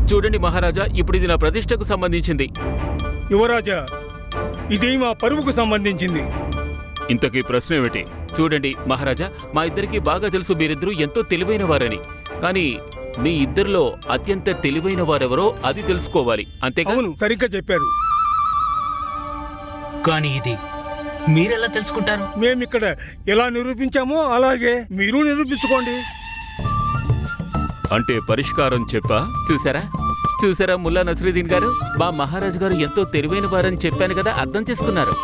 చూడండి మహారాజా, ఇప్పుడు ఇది నా ప్రతిష్టకు సంబంధించింది. యువరాజా, ఇది మా పరువుకు సంబంధించింది. ఇంతకీ ప్రశ్న ఏమిటి? చూడండి మహారాజా, మా ఇద్దరికి బాగా తెలుసు మీరిద్దరూ ఎంతో తెలివైన వారని. కానీ మీ ఇద్దరిలో అత్యంత తెలివైన వారెవరో అది తెలుసుకోవాలి, అంతేగా? అవును, సరిగ్గా చెప్పారు. కానీ ఇది మీరెలా తెలుసుకుంటారు? మేమిక్కడ ఎలా నిరూపించామో అలాగే మీరు నిరూపించుకోండి. అంటే పరిష్కారం చెప్పా? చూసారా ముల్లా నసరుద్దీన్ గారు, మా మహారాజు గారు ఎంతో తెలివైన వారని చెప్పాను కదా, అర్థం చేసుకున్నారు.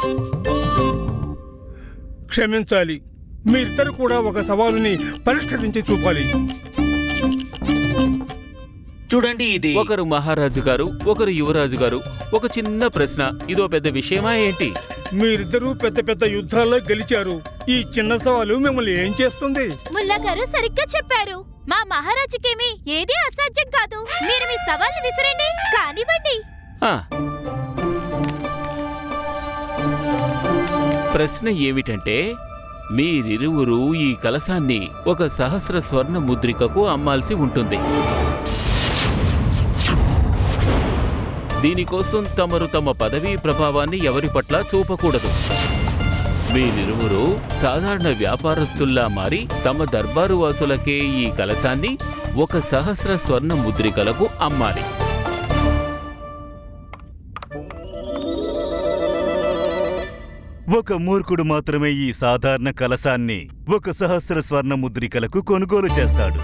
క్షమించాలి, మీరిద్దరు కూడా ఒక సవాలుని పరిష్కరించి చూపాలి. చూడండి, ఇది ఒకరు మహారాజు గారు, ఒకరు యువరాజు గారు. ఒక చిన్న ప్రశ్న, ఇదో పెద్ద విషయమా ఏంటి? మీరిద్దరూ పెద్ద పెద్ద యుద్ధాల్లో గెలిచారు. ఈ చిన్న సవాలు మిమ్మల్ని ఏం చేస్తుంది? ముల్లా గారు సరిగ్గా చెప్పారు. మా మహారాజుకేమీ ఏదీ అసాధ్యం కాదు. మీరు మీ సవాల్ని విసిరండి, కానివ్వండి. ఆ, ప్రశ్న ఏమిటంటే, మీరిరువురు ఈ కలశాన్ని ఒక సహస్ర స్వర్ణ ముద్రికకు అమ్మాల్సి ఉంటుంది. దీనికోసం తమరు తమ పదవీ ప్రభావాన్ని ఎవరి పట్ల చూపకూడదు. మీరిరువురు సాధారణ వ్యాపారస్తుల్లా మారి తమ దర్బారు వాసులకే ఈ కలశాన్ని ఒక సహస్ర స్వర్ణ ముద్రికలకు అమ్మాలి. ఒక మూర్ఖుడు మాత్రమే ఈ సాధారణ కలశాన్ని ఒక సహస్ర స్వర్ణ ముద్రికలకు కొనుగోలు చేస్తాడు.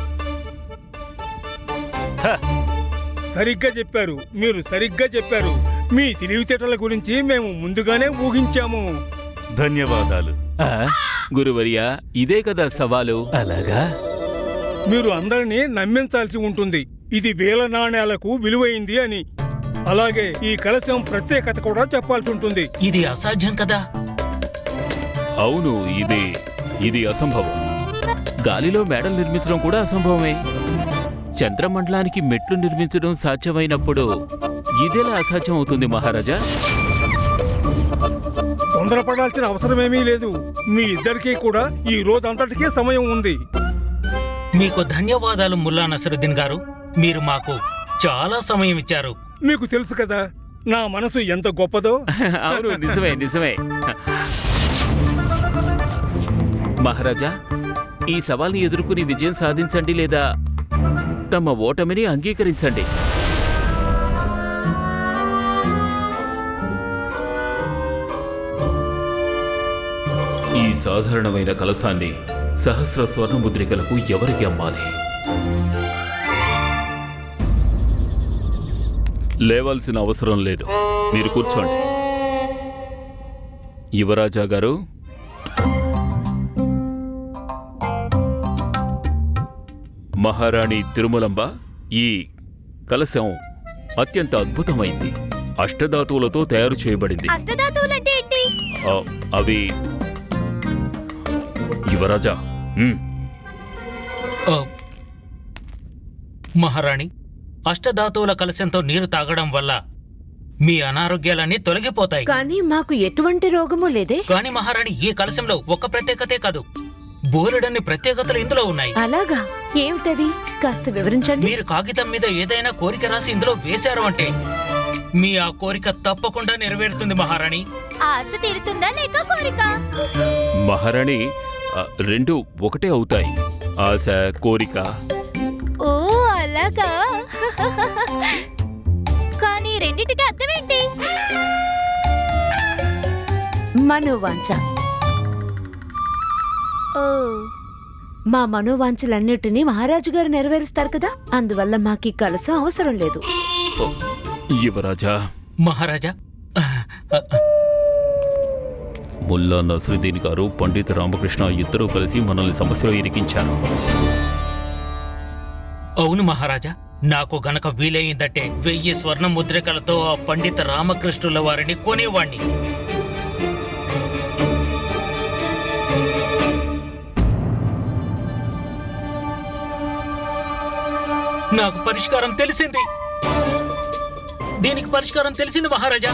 సరిగ్గా చెప్పారు, మీరు సరిగ్గా చెప్పారు. మీ తెలివితేటల గురించి మేము ముందుగానే ఊహించాము. ధన్యవాదాలు. గురువర్యా, ఇదే కదా సవాలు. అలాగా? మీరు అందరినీ నమ్మించాల్సి ఉంటుంది, ఇది వేల నాణేలకు విలువైంది అని. అలాగే ఈ కలశం ప్రత్యేకత కూడా చెప్పాల్సి ఉంటుంది. ఇది అసాధ్యం కదా? అవును, ఇది అసంభవం. గాలిలో మేడలు నిర్మించడం కూడా అసంభవమే. చంద్రమండలానికి మెట్లు నిర్మించడం సాధ్యమైనప్పుడు ఇదెలా అసాధ్యం అవుతుంది మహారాజా? తొందరపడాల్సిన అవసరమేమీ లేదు. మీ ఇద్దరికీ కూడా ఈ రోజంతటికీ సమయం ఉంది. మీకు ధన్యవాదాలు ముల్లా నసరుద్దీన్ గారు, మీరు మాకు చాలా సమయం ఇచ్చారు. మీకు తెలుసు కదా నా మనసు ఎంత గొప్పదో. అవును, నిజమే. మహారాజా, ఈ సవాల్ని ఎదుర్కొని విజయం సాధించండి, లేదా తమ ఓటమిని అంగీకరించండి. ఈ సాధారణమైన కలశాన్ని సహస్ర స్వర్ణ ముద్రికలకు ఎవరికి అమ్మాలి? లేవాల్సిన అవసరం లేదు, మీరు కూర్చోండి. యువరాజా గారు, మహారాణి తిరుమలంబ, ఈ కలశం అత్యంత అద్భుతమైంది. అష్టధాతువులతో తయారు చేయబడింది. అష్టధాతువులంటే ఏంటి? అవి యువరాజా. మహారాణి, అష్టధాతువుల కలశంతో నీరు తాగడం వల్ల మీ అనారోగ్యాలన్నీ తొలగిపోతాయి. కానీ మాకు ఎటువంటి రోగము లేదే. కానీ మహారాణి, ఈ కలశంలో ఒక ప్రత్యేకతే కాదు, బోలెడన్ని ప్రత్యేకతలు ఇందులో ఉన్నాయి. అలాగా? ఏమిటవి? కాస్త వివరించండి. మీరు కాగితం మీద ఏదైనా కోరిక రాసి ఇందులో వేశారు అంటే మీ ఆ కోరిక తప్పకుండా నెరవేరుతుంది మహారాణి. ఆశ తీరుతుందా లేక కోరిక? మహారాణి, రెండు ఒకటే అవుతాయి, ఆశ కోరిక. ఓ అలాగా. కానీ రెండిటికి అర్థమేంటి? మనోవాంఛ. ఓ, మా మనోవాంఛలన్నిటినీ మహారాజు గారు నెరవేరుస్తారు కదా, అందువల్ల మాకు ఈ కలశం అవసరం లేదు. యువరాజా. మహారాజా, ముల్లా నసరుద్దీన్ గారు, పండిత రామకృష్ణ ఇద్దరూ కలిసి మనల్ని సమస్యలో ఇరికించారు. అవును మహారాజా, నాకు గనక వీలయ్యిందంటే 1000 స్వర్ణ ముద్రికలతో ఆ పండిత రామకృష్ణుల వారిని కొనేవాణ్ణి. నాకు పరిష్కారం తెలిసింది. దీనికి పరిష్కారం తెలిసింది మహారాజా.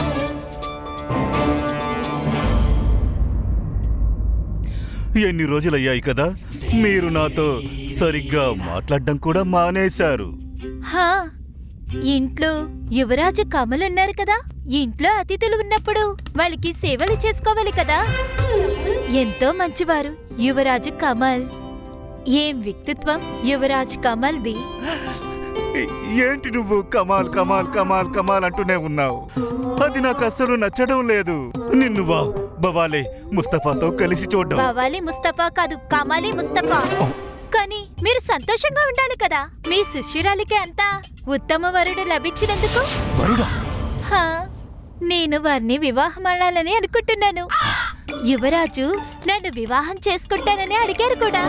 ఎన్ని రోజులయ్యాయి కదా మీరు నాతో సరిగ్గా మాట్లాడడం కూడా మానేశారు. హా, ఇంట్లో యువరాజు కమల్ ఉన్నారు కదా, ఇంట్లో అతిథులు ఉన్నప్పుడు వాళ్ళకి సేవలు చేసుకోవాలి కదా. ఎంతో మంచివారు యువరాజు కమల్. ఏం వ్యక్తిత్వం యువరాజ్ కమల్ది. ఏంటి నువ్వు కమాల్ కమాల్ కమాల్ కమాల్ అంటూనే ఉన్నావు? అది నాకు అస్సలు నచ్చడం లేదు. నిన్ను బవాలే ముస్తఫాతో కలిసి చూడ్డం. బవాలి ముస్తఫా కాదు, కమాలి ముస్తఫా. కానీ మీరు సంతోషంగా ఉండాలి కదా, మీ శిష్యురాలికి అంతా ఉత్తమ వరుడు లభించినందుకు. వరుడా? హా, నేను వారిని వివాహమాడాలని అనుకుంటున్నాను. యువరాజు నన్ను వివాహం చేసుకుంటానని అడిగారు కూడా.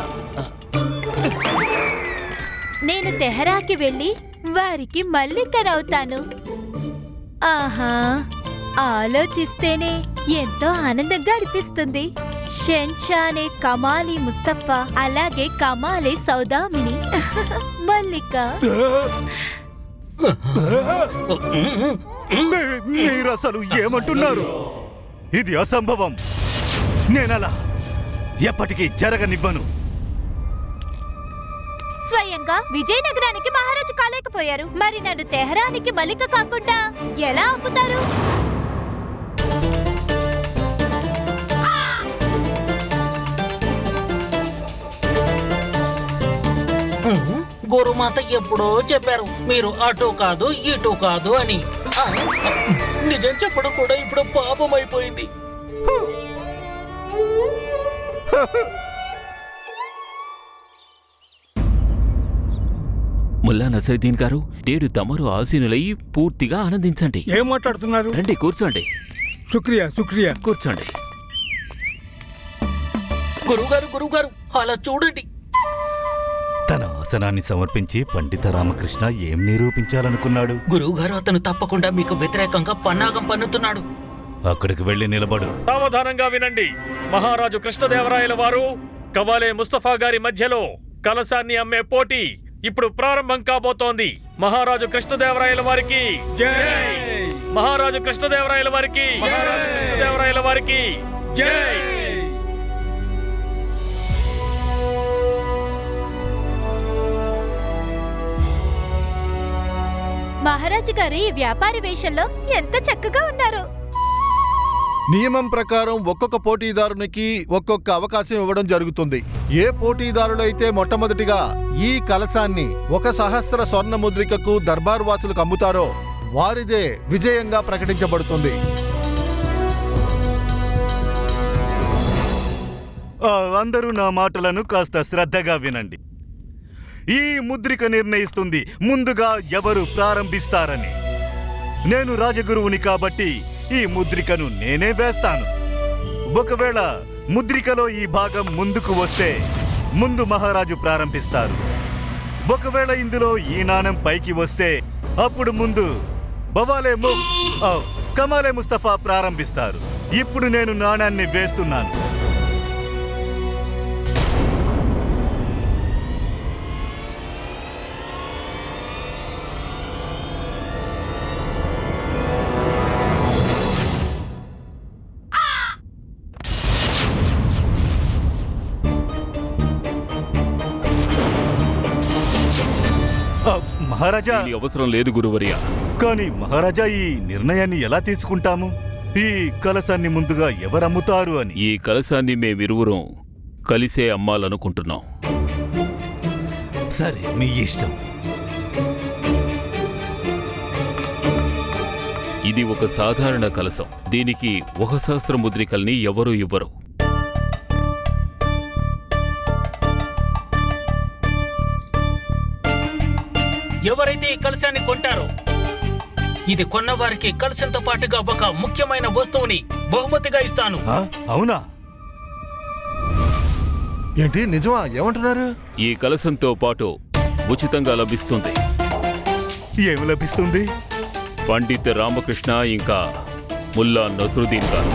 నేను తెహరాకి వెళ్ళి వారికి మల్లికనవుతాను. ఆహా, ఆలోచిస్తేనే ఎంతో ఆనందంగా అనిపిస్తుంది. షెన్షానే కమాలి ముస్తఫా, అలాగే కమాలి సౌదామిని మల్లిక. మీరు అసలు ఏమంటున్నారు? ఇది అసంభవం. నేనలా ఎప్పటికీ జరగనివ్వను. స్వయంగా విజయనగరానికి మహారాజు కాలేకపోయారు, మరి నన్ను తెహరానికి మల్లిక కాకుండా ఎలా ఆపుతారు? గురుమాత ఎప్పుడో చెప్పారు మీరు అటు కాదు ఇటు కాదు అని. నిజం చెప్పడం కూడా ఇప్పుడు పాపం అయిపోయింది. ముల్లా నసరుద్దీన్ గారు, నేడు తమరు ఆసీనులై పూర్తిగా ఆనందించండి. ఏం మాట్లాడుతున్నారు? రండి, కూర్చోండి. శుక్రియా శుక్రియా. కూర్చోండి. గురువుగారు గురువుగారు అలా చూడండి. తన ఆసనాన్ని సమర్పించి పండిత రామకృష్ణ ఏం నిరూపించాలనుకున్నాడు? గురువుగారు అతను తప్పకుండా మీకు వ్యతిరేకంగా పన్నాగం పన్నుతున్నాడు. అక్కడికి వెళ్లి నిలబడు. సావధానంగా వినండి. మహారాజు కృష్ణదేవరాయల వారు కవాలే ముస్తఫా గారి మధ్యలో కలశాన్ని అమ్మే పోటీ ఇప్పుడు ప్రారంభం కాబోతోంది. మహారాజు కృష్ణదేవరాయల వారికి జై! మహారాజు కృష్ణదేవరాయల వారికి మహారాజు కృష్ణదేవరాయల వారికి జై! మహారాజు గారు ఈ వ్యాపారి వేషంలో ఎంత చక్కగా ఉన్నారు. నియమం ప్రకారం ఒక్కొక్క పోటీదారునికి ఒక్కొక్క అవకాశం ఇవ్వడం జరుగుతుంది. ఏ పోటీదారులైతే మొట్టమొదటిగా ఈ కలశాన్ని 1,000 స్వర్ణ ముద్రికకు దర్బార్ వాసులకు అమ్ముతారో వారిదే విజయంగా ప్రకటించబడుతుంది. అందరూ నా మాటలను కాస్త శ్రద్ధగా వినండి. ఈ ముద్రిక నిర్ణయిస్తుంది ముందుగా ఎవరు ప్రారంభిస్తారని. నేను రాజగురువుని కాబట్టి ఈ ముద్రికను నేనే వేస్తాను. ఒకవేళ ముద్రికలో ఈ భాగం ముందుకు వస్తే ముందు మహారాజు ప్రారంభిస్తారు. ఒకవేళ ఇందులో ఈ నాణెం పైకి వస్తే అప్పుడు ముందు కమాలే ముస్తఫా ప్రారంభిస్తారు. ఇప్పుడు నేను నాణాన్ని వేస్తున్నాను. మహారాజా, దీని అవసరం లేదు గురువర్య. కానీ మహారాజా, ఈ నిర్ణయాన్ని ఎలా తీసుకుంటాము? ఈ కలశాన్ని ముందుగా ఎవరమ్ముతారు అని. ఈ కలశాన్ని మేమిరువురం కలిసే అమ్మాలనుకుంటున్నాం. సరే, మీ ఇష్టం. ఇది ఒక సాధారణ కలశం. దీనికి 1,000 ముద్రికల్ని ఎవరూ ఇవ్వరు. ఎవరైతే ఈ కలశాన్ని కొంటారో ఇది కొన్నవారికి కలశంతో పాటుగా ఒక ముఖ్యమైన వస్తువుని బహుమతిగా ఇస్తాను. అవునా? ఏంటి, నిజమా? ఏమంటున్నారు? ఈ కలశంతో పాటు ఉచితంగా లభిస్తుంది. ఏమి లభిస్తుంది? పండిత్ రామకృష్ణ ఇంకా ముల్లా నసరుద్దీన్ గారు.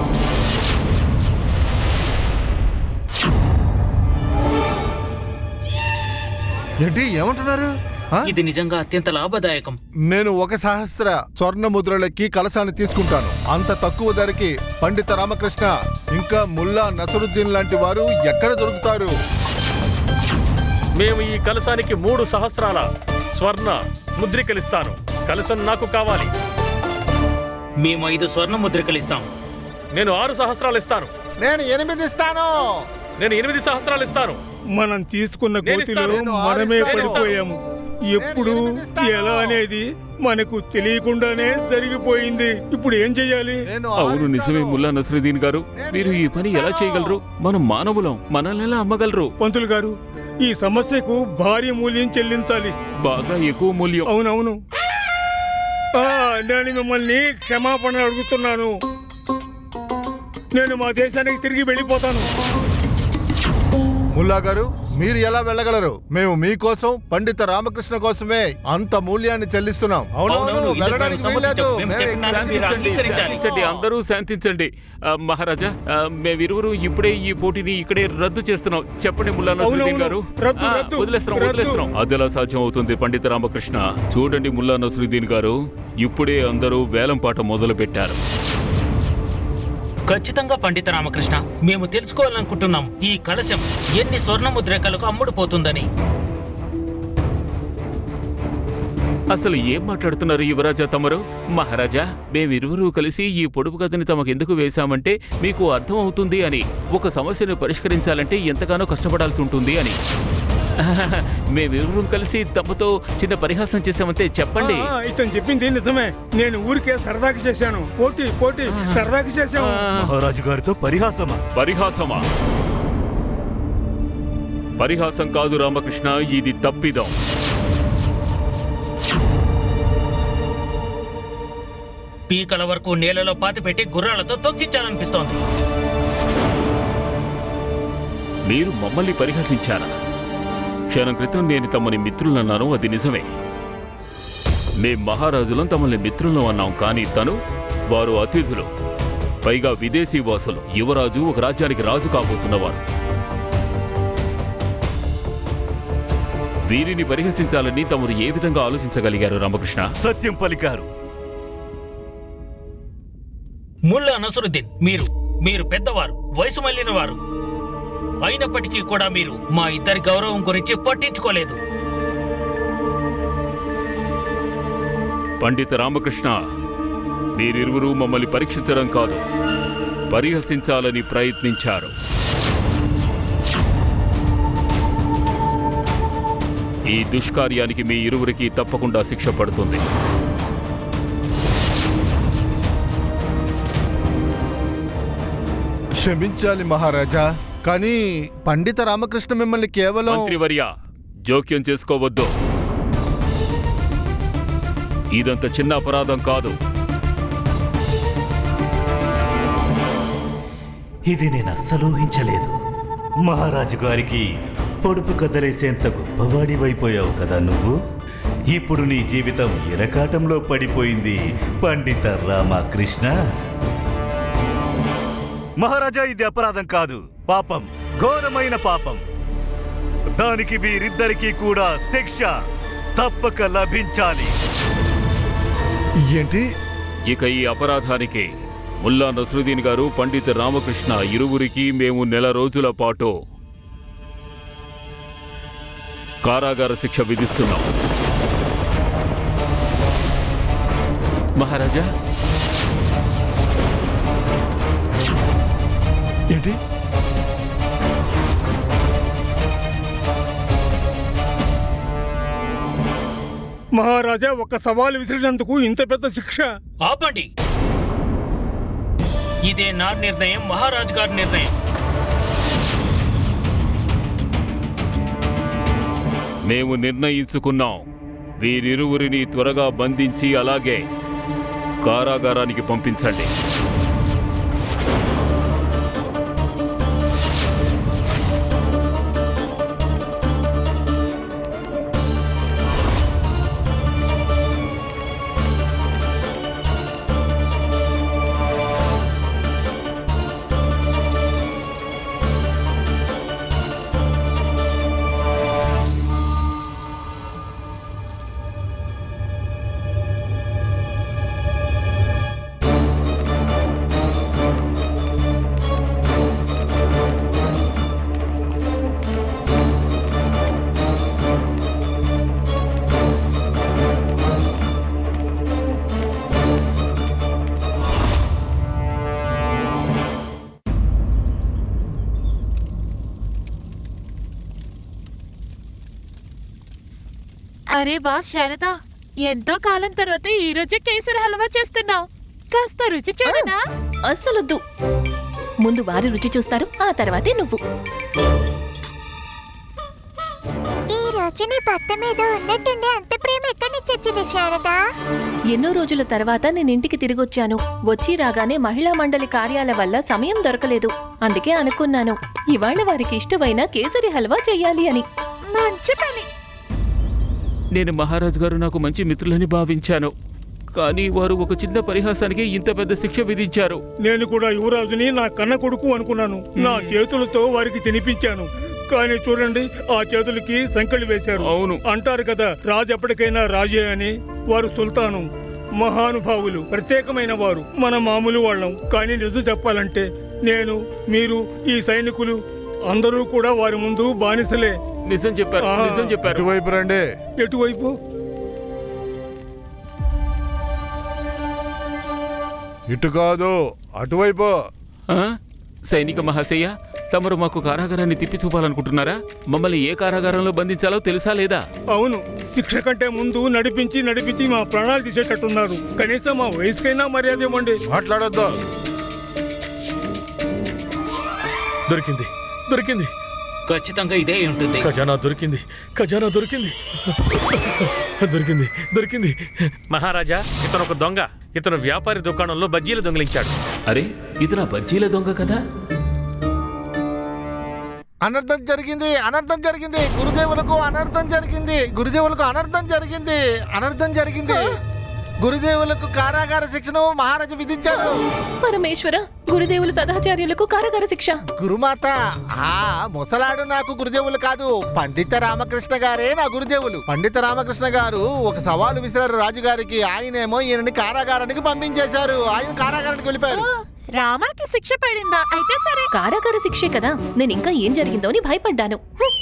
ఏంటి, ఏమంటున్నారు? ఇది నిజంగా అత్యంత లాభదాయకం. నేను 1,000 స్వర్ణ ముద్రలకి కలశాన్ని తీసుకుంటాను. అంత తక్కువ ధరకి పండిత రామకృష్ణ ఇంకా ముల్లా నసరుద్దీన్ లాంటి వారు ఎక్కడ దొరుకుతారు? మేము ఈ కలశానికి 3 సహస్రాల స్వర్ణ ముద్రికలిస్తాను. కలశం నాకు కావాలి. మేము 5 స్వర్ణ ముద్రికలు ఇస్తాం. నేను 6 సహస్రాలు ఇస్తాను. నేను 8 ఇస్తాను. నేను 8 సహస్రాలు ఇస్తాను. మనం తీసుకున్న నేను గోతిలో ఇస్తాను. మనమే నేను పడిపోయాము. ఎప్పుడు నేను 8 ఇస్తాను. ఎలా అనేది మనకు తెలియకుండానే జరిగిపోయింది. ఇప్పుడు ఏం చెయ్యాలి? నేను అవును, 6 నిజమే ఇస్తాను. ముల్లా నసరుద్దీన్ గారు. మీరు ఈ పని ఎలా చేయగలరు? మనం మానవులం, మనల్ని ఎలా అమ్మగలరు? పంతులు గారు, ఈ సమస్యకు భారీ మూల్యం చెల్లించాలి. బాగా ఎక్కువ మూల్యం. అవునవును. నేను మిమ్మల్ని క్షమాపణ అడుగుతున్నాను. నేను మా దేశానికి తిరిగి వెళ్ళిపోతాను. ముల్లా గారు, మీరు ఎలా వెళ్ళగలరు? మేము మీకోసం పండిత రామకృష్ణ కోసమే అంత మూల్యాన్ని చెల్లిస్తున్నాం. అవునవును, అవునవును, ఇందుకు వెళ్ళడానికి మేము వీల్లేదు. సమ్మతించాం. మేము మేము చెప్పిన దాన్ని మీరు శాంతించండి, అంగీకరించాలి. శాంతించండి, అందరూ శాంతించండి. మహారాజా, మేమిరువురు ఇప్పుడే ఈ పోటీని ఇక్కడే రద్దు చేస్తున్నాం. చెప్పండి ముల్లా నసరుద్దీన్ గారు. రద్దు, రద్దు, వదిలేస్తున్నాం, రద్దు. వదిలేస్తున్నాం. అదెలా సాధ్యం అవుతుంది పండిత రామకృష్ణ? చూడండి ముల్లా నసరుద్దీన్ గారు, ఇప్పుడే అందరూ వేలంపాట మొదలు పెట్టారు. ఖచ్చితంగా పండిత రామకృష్ణ, మేము తెలుసుకోవాలనుకుంటున్నాం ఈ కలశం ఎన్ని స్వర్ణ ముద్రికలకు అమ్ముడుపోతుందని. అసలు ఏం మాట్లాడుతున్నారు యువరాజా తమరు? మహారాజా, మేమిరువురు కలిసి ఈ పొడుపు కథని తమకెందుకు వేశామంటే మీకు అర్థం అవుతుంది అని. ఒక సమస్యను పరిష్కరించాలంటే ఎంతగానో కష్టపడాల్సి ఉంటుంది అని. మేమిరువురు కలిసి తమతో చిన్న పరిహాసం చేశామంతే. చెప్పండి. ఇతను చెప్పింది నిజమే. నేను ఊరికే సరదాకి చేశాను. పోటీ సరదాకి చేశాను. మహారాజు గారితో పరిహాసమా? పరిహాసమా? పరిహాసం కాదు రామకృష్ణ, ఇది తప్పిదం. పీకల వరకు నేలలో పాతిపెట్టి గుర్రాలతో తొక్కించాలనిపిస్తోంది. మీరు మమ్మల్ని పరిహసించారా? క్షణం క్రితం నేను తమని మిత్రులన్నాను, అది నిజమే. మేం మహారాజులం తమల్ని మిత్రులను అన్నాం. కానీ వారు అతిథులు, పైగా విదేశీ వాసులు. యువరాజు ఒక రాజ్యానికి రాజు కాబోతున్నవారు. వీరిని పరిహసించాలని తమరు ఏ విధంగా ఆలోచించగలిగారు రామకృష్ణ? సత్యం పలికారు. ముల్లా నసరుద్దీన్, మీరు పెద్దవారు, వయసు మళ్లిన వారు. అయినప్పటికీ కూడా మీరు మా ఇద్దరి గౌరవం గురించి పట్టించుకోలేదు. పండిత రామకృష్ణ, మీరిరువురు మమ్మల్ని పరీక్షించడం కాదు, పరిహసించాలని ప్రయత్నించారు. ఈ దుష్కార్యానికి మీ ఇరువురికి తప్పకుండా శిక్ష పడుతుంది. క్షమించాలి మహారాజా, కానీ పండిత రామకృష్ణ మిమ్మల్ని కేవలం మంత్రివర్య, జోక్యం చేసుకోవద్దు. ఇదంత చిన్న అపరాధం కాదు. ఇది నేను అస్సలు ఊహించలేదు. మహారాజు గారికి పొడుపు కదలేసేంత గొప్పవాడివైపోయావు కదా నువ్వు. ఇప్పుడు నీ జీవితం ఇరకాటంలో పడిపోయింది పండిత రామకృష్ణ. మహారాజా, ఇది అపరాధం కాదు, పాపం, ఘోరమైన పాపం. దానికి వీరిద్దరికీ కూడా శిక్ష తప్పక లభించాలి. ఏంటి? ఇక ఈ అపరాధానికి ముల్లా నసరుద్దీన్ గారు, పండిత రామకృష్ణ ఇరువురికి మేము 1 నెల రోజుల పాటు కారాగార శిక్ష విధిస్తున్నాం. మహారాజా, ఏంటి? మహారాజా, ఒక సవాలు విసిరినందుకు ఇంత పెద్ద శిక్ష? ఆపండి. ఇదే నా నిర్ణయం, మహారాజు గారి నిర్ణయం. మేము నిర్ణయించుకున్నాం. వీరిరువురిని త్వరగా బంధించి అలాగే కారాగారానికి పంపించండి. అరే వా శారదా, ఎంతో కాలం తర్వాత ఈ రోజే కేసరి హల్వా చేస్తున్నావు. కాస్త రుచి చూడనా? అస్సలొద్దు. ముందు వారి రుచి చూస్తారు, ఆ తర్వాతే నువ్వు. ఈ రోజు నీ భర్త మీద ఉన్నట్టుండే అంత ప్రేమ ఎక్కడి నుంచి వచ్చింది శారదా? ఎన్నో రోజుల తర్వాత నేను ఇంటికి తిరిగొచ్చాను. వచ్చి రాగానే మహిళా మండలి కార్యాల వల్ల సమయం దొరకలేదు. అందుకే అనుకున్నాను ఇవాళ వారికి ఇష్టమైన కేసరి హల్వా చెయ్యాలి అని. మంచి పని. నేను మహారాజు గారు నాకు మంచి మిత్రులని భావించాను, కానీ వారు ఒక చిన్న పరిహాసానికి ఇంత పెద్ద శిక్ష విధించారు. నేను కూడా యువరాజుని నా కన్న కొడుకు అనుకున్నాను. నా చేతులతో వారికి తినిపించాను, కానీ చూడండి ఆ చేతులకి సంకెళ్ళు వేశారు. అవును. అంటారు కదా, రాజు ఎప్పటికైనా రాజే అని. వారు సుల్తాను, మహానుభావులు, ప్రత్యేకమైన వారు. మన మామూలు వాళ్ళం. కానీ నిజం చెప్పాలంటే నేను, మీరు, ఈ సైనికులు అందరూ కూడా వారి ముందు బానిసలే. నిజం చెప్పారు, నిజం చెప్పారు. ఇటువైపు రండి. ఎటువైపు? ఇటు కాదు, అటువైపు. ఆ? సైనిక మహాశయ, తమరు మాకు కారాగారాన్ని తిప్పి చూపాలనుకుంటున్నారా? మమ్మల్ని ఏ కారాగారంలో బంధించాలో తెలుసా లేదా? అవును, శిక్ష కంటే ముందు నడిపించి మా ప్రాణాలు తీసేటట్టున్నారు. కనీసం మా వయసుకైనా మర్యాద ఇవ్వండి. మాట్లాడొద్దు. దొరికింది, దొరికింది. ఖచ్చితంగా ఇదే ఉంటుంది. ఖజానా దొరికింది, ఖజానా దొరికింది. దొరికింది, దొరికింది. మహారాజా, ఇతను ఒక దొంగ. ఇతను వ్యాపారి దుకాణంలో బజ్జీలు దొంగిలించాడు. అరే, ఇది నా బజ్జీల దొంగ కదా? అనర్థం జరిగింది, అనర్థం జరిగింది. గురుదేవులకు అనర్థం జరిగింది, గురుదేవులకు అనర్థం జరిగింది, అనర్థం జరిగింది. గురుదేవులకు కారాగార శిక్షను మహారాజు విధించారు. పరమేశ్వర, గురుదేవులు తదాచార్యులకు కారాగార శిక్ష. గురుమాత, ఆ ముసలాడు నాకు గురుదేవులు కాదు, పండిత రామకృష్ణ గారే నా గురుదేవులు. పండిత రామకృష్ణ గారు ఒక సవాలు విసిరారు రాజుగారికి. ఆయనేమో ఈయనని కారాగారానికి పంపించేశారు. ఆయన కారాగారానికి వెళ్ళిపోయారు. రామాకి శిక్ష పడిందా? అయితే సరే. కారాగార శిక్షే కదా. నేను ఇంకా ఏం జరిగిందో అని భయపడ్డాను.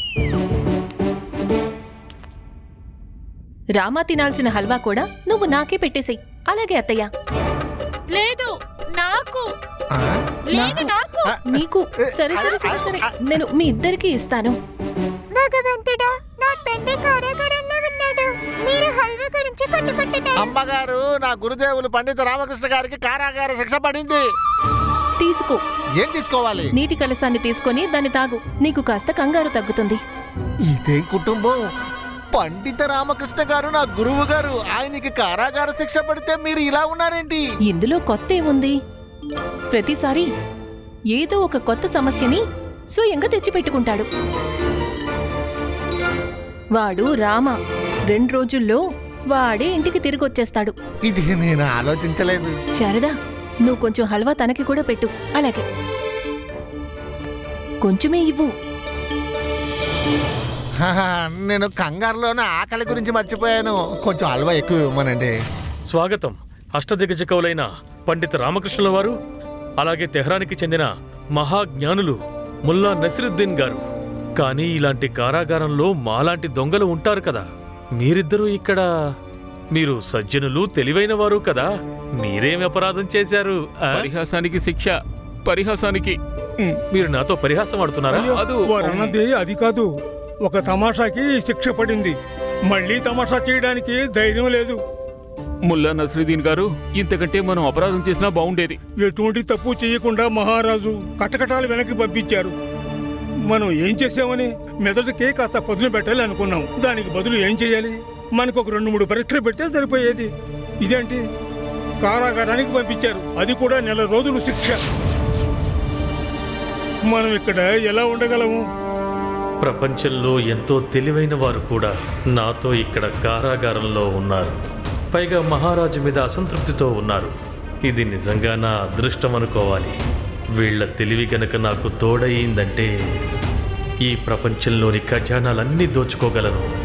రామా తినాల్సిన హల్వా కూడా నువ్వు నాకే పెట్టేసేయ్. అలాగే అత్తయ్య. లేదు, నాకు. లేదు, నాకు. నీకు. సరే సరే సరే సరే, నేను మీ ఇద్దరికి ఇస్తాను. భగవంతుడా, నా తండ్రి కారాగారంలో ఉన్నాడు. మీరు హల్వా గురించి కొట్టుకుంటున్నారు. అమ్మగారు, నా గురుదేవులు పండిత రామకృష్ణ గారికి కారాగార శిక్ష పడింది. తీసుకో. ఏం తీసుకోవాలి? నీటి కలసాన్ని తీసుకొని దాన్ని తాగు. నీకు కాస్త కంగారు తగ్గుతుంది. ఇదే కుటుంబం. పండిత రామకృష్ణ గారు నా గురువు గారు. ఆయనకి కారాగార శిక్ష పడితే మీరు ఇలా ఉన్నారేంటి? ఇందులో కొత్త ఏముంది? ప్రతిసారి ఏదో ఒక కొత్త సమస్యని స్వయంగా తెచ్చిపెట్టుకుంటాడు. వాడు రామ. 2 రోజుల్లో వాడే ఇంటికి తిరిగొచ్చేస్తాడు. ఇది నేను ఆలోచించలేదు. శారదా, నువ్వు కొంచెం హల్వా తనకి కూడా పెట్టు. అలాగే, కొంచెమే ఇవ్వు. నేను కంగారులోనే ఆకలి గురించి మర్చిపోయాను. కొంచెం హల్వా ఎక్కువ ఇవ్వమనండి. స్వాగతం అష్టదిగ్గజ కవులైన పండిత రామకృష్ణుల వారు, అలాగే తెహ్రానికి చెందిన మహాజ్ఞానులు ముల్లా నసిరుద్దీన్ గారు. కానీ ఇలాంటి కారాగారంలో మాలాంటి దొంగలు ఉంటారు కదా. మీరిద్దరూ ఇక్కడ. మీరు సజ్జనులు, తెలివైన వారు కదా. మీరేం అపరాధం చేశారు? పరిహాసానికి శిక్ష, పరిహాసానికి. మీరు నాతో పరిహాసం ఆడుతున్నారా? వారు అన్నది అది కాదు. ఒక తమాషాకి శిక్ష పడింది. మళ్ళీ తమాషా చేయడానికి ధైర్యం లేదు. ముల్లా నసరుద్దీన్ గారు, ఇంతకంటే మనం అపరాధం చేసినా బాగుండేది. ఎటువంటి తప్పు చేయకుండా మహారాజు కటకటాలు వెనక్కి పంపించారు. మనం ఏం చేసామని మెదడుకే కాస్త పదును పెట్టాలి అనుకున్నాం. దానికి బదులు ఏం చేయాలి? మనకు ఒక 2-3 పరీక్షలు పెడితే సరిపోయేది. ఇదేంటి, కారాగారానికి పంపించారు. అది కూడా 1 నెల రోజులు శిక్ష. మనం ఇక్కడ ఎలా ఉండగలము? ప్రపంచంలో ఎంతో తెలివైన వారు కూడా నాతో ఇక్కడ కారాగారంలో ఉన్నారు. పైగా మహారాజు మీద అసంతృప్తితో ఉన్నారు. ఇది నిజంగా నా అదృష్టం అనుకోవాలి. వీళ్ల తెలివి గనక నాకు తోడయిందంటే ఈ ప్రపంచంలోని ఖజానాలన్నీ దోచుకోగలను.